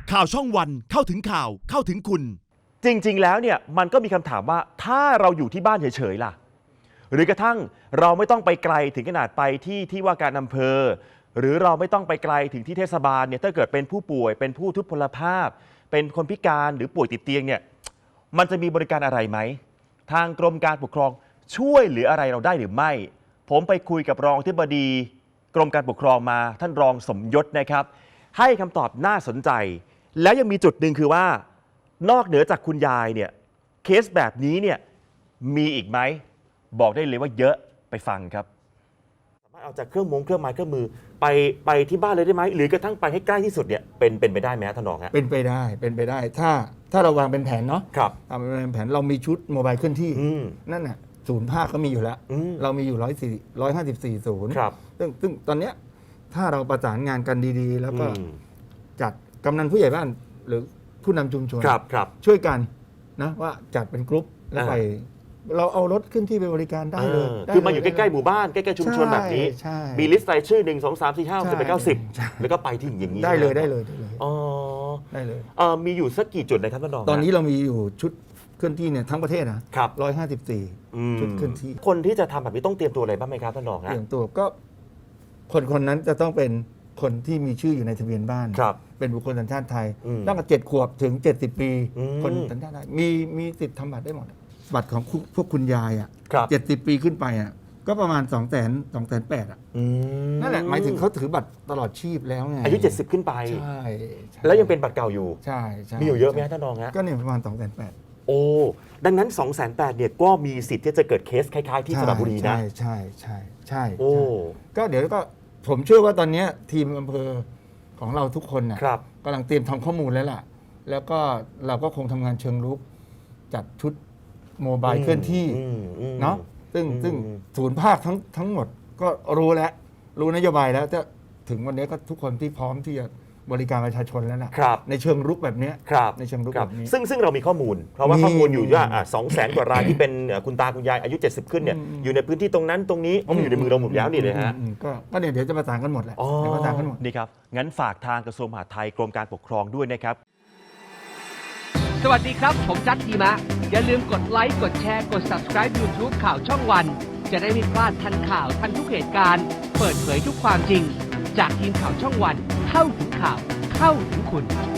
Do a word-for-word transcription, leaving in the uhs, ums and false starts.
ข่าวช่องวันเข้าถึงข่าวเข้าถึงคุณจริงๆแล้วเนี่ยมันก็มีคำถามว่าถ้าเราอยู่ที่บ้านเฉยๆล่ะหรือกระทั่งเราไม่ต้องไปไกลถึงขนาดไปที่ที่ว่าการอำเภอหรือเราไม่ต้องไปไกลถึงที่เทศบาลเนี่ยถ้าเกิดเป็นผู้ป่วยเป็นผู้ทุพพลภาพเป็นคนพิการหรือป่วยติดเตียงเนี่ยมันจะมีบริการอะไรไหมทางกรมการปกครองช่วยเหลืออะไรเราได้หรือไม่ผมไปคุยกับรองอธิบดีกรมการปกครองมาท่านรองสมยศนะครับให้คำตอบน่าสนใจแล้วยังมีจุดหนึ่งคือว่านอกเหนือจากคุณยายเนี่ยเคสแบบนี้เนี่ยมีอีกไหมบอกได้เลยว่าเยอะไปฟังครับสามารถเอาจากเครื่องมงเครื่องไม้เครื่องมือไปไปที่บ้านเลยได้ไหมหรือกระทั่งไปให้ใกล้ที่สุดเนี่ยเป็นเป็นไปได้ไหมท่านรองฮะเป็นไปได้เป็นไปได้ถ้าถ้าเราวางเป็นแผนเนาะครับทำเป็นแผนเรามีชุดโมบายเคลื่อนที่อืมนั่นน่ะศูนย์ภาคก็มีอยู่แล้วอืมเรามีอยู่ร้อยสี่ร้อยห้าสิบสี่ศูนย์ครับซึ่งซึ่งตอนเนี้ยถ้าเราประสานงานกันดีๆ แล้วก็อืมจัดกำนันผู้ใหญ่บ้านหรือผู้นำชุมชนครับครับช่วยกันนะว่าจัดเป็นกรุ๊ปแล้วไป เราเอารถขึ้นที่ไปบริการได้เลยเออได้คือมาอยู่เลใกล้ๆหมู่บ้านใกล้ๆชุมชนแบบนี้ใช่มีลิสต์รายชื่อหนึ่งสองสามสี่ห้าหกเจ็ดแปดเก้าสิบใช่แล้วก็ไปที่อย่างนี้ได้เลยใช่หมได้เลยได้เลยอ๋อได้เลยเอ่อมีอยู่สักกี่จุดนะครับท่านรองตอนนี้ฮะเรามีอยู่ชุดเคลื่อนที่เนี่ยทั้งประเทศนะครับ ร้อยห้าสิบสี่อืมชุดเคลื่อนที่คนที่จะทำแบบนี้ต้องเตรียมตัวอะไรบ้างไหมครับท่านรองเตฮะรียมตัวก็คนคนนั้นจะต้องเป็นคนที่มีชื่ออยู่ในทะเบียนบ้านครับเป็นบุคคลสัญชาติไทยอืมตั้งแต่เจ็ดขวบถึงเจ็ดสิบปีอืมคนสัญชาติไทยมีมีสิทธิ์ทำบัตรได้หมด บัตรของคุณพวกคุณยายอ่ะครับเจ็ดสิบปีขึ้นไปอ่ะก็ประมาณสองแสนสองแสนแปดอ่ะอืมนั่นแหละหมายถึงเขาถือบัตรตลอดชีพแล้วไงอายุเจ็ดสิบขึ้นไปใช่ใช่แล้วยังเป็นบัตรเก่าอยู่ใช่ใช่มีอยู่เยอะไหมฮะท่านรองฮะก็เนี่ยประมาณสองแสนแปดโอ้ ดังนั้น 2 8 0 0 0เนี่ยก็มีสิทธิ์ที่จะเกิดเคสคล้าย ๆ ที่สระบุรีนะใช่ใช่ใช่ใช่โอ้ใช่ก็เดี๋ยวก็ผมเชื่อว่าตอนเนี้ยทีมอำเภอของเราทุกคนน่ะครับกำลังเตรียมทำข้อมูลแล้วล่ะ แล้วก็เราก็คงทำงานเชิงรุกจัดชุดโมบายเคลื่อนที่อืมอืมเนาะซึ่งอืมซึ่งศูนย์ภาคทั้งทั้งหมดก็รู้แล้ว รู้นโยบายแล้วจะถึงวันนี้ก็ทุกคนที่พร้อมที่จะบริการประชาชนแล้วล่ะครับในเชิงรุกแบบเนี้ยครับในเชิงรุกครับแบบนี้ซึ่งซึ่งเรามีข้อมูล เพราะว่ามีข้อมูลอยู่ว่าสองแสนกว่ารายที่เป็นเอ่อคุณตาคุณยายอายุเจ็ดสิบขึ้นเนี่ยอืมอยู่ในพื้นที่ตรงนั้นตรงนี้อ๋อมันอยู่ในมือเราหมดแล้วนี่เลยฮะอืมอืมก็ก็เนี่ยเดี๋ยวจะประสานกันหมดแหละอ๋อเดี๋ยวประสานกันหมดนี่ครับ งั้นฝากทางกระทรวงมหาดไทยกรมการปกครองด้วยนะครับสวัสดีครับ ผมจัดทีมะ อย่าลืมกดไลค์ กดแชร์ กด Subscribe YouTube ข่าวช่องวัน จะได้ไม่พลาดทันข่าวทันทุกเหตุการณ์ เปิดเผยทุกความจริง จากทีมข่าวช่องวัน เข้าถึงข่าว เข้าถึงคุณ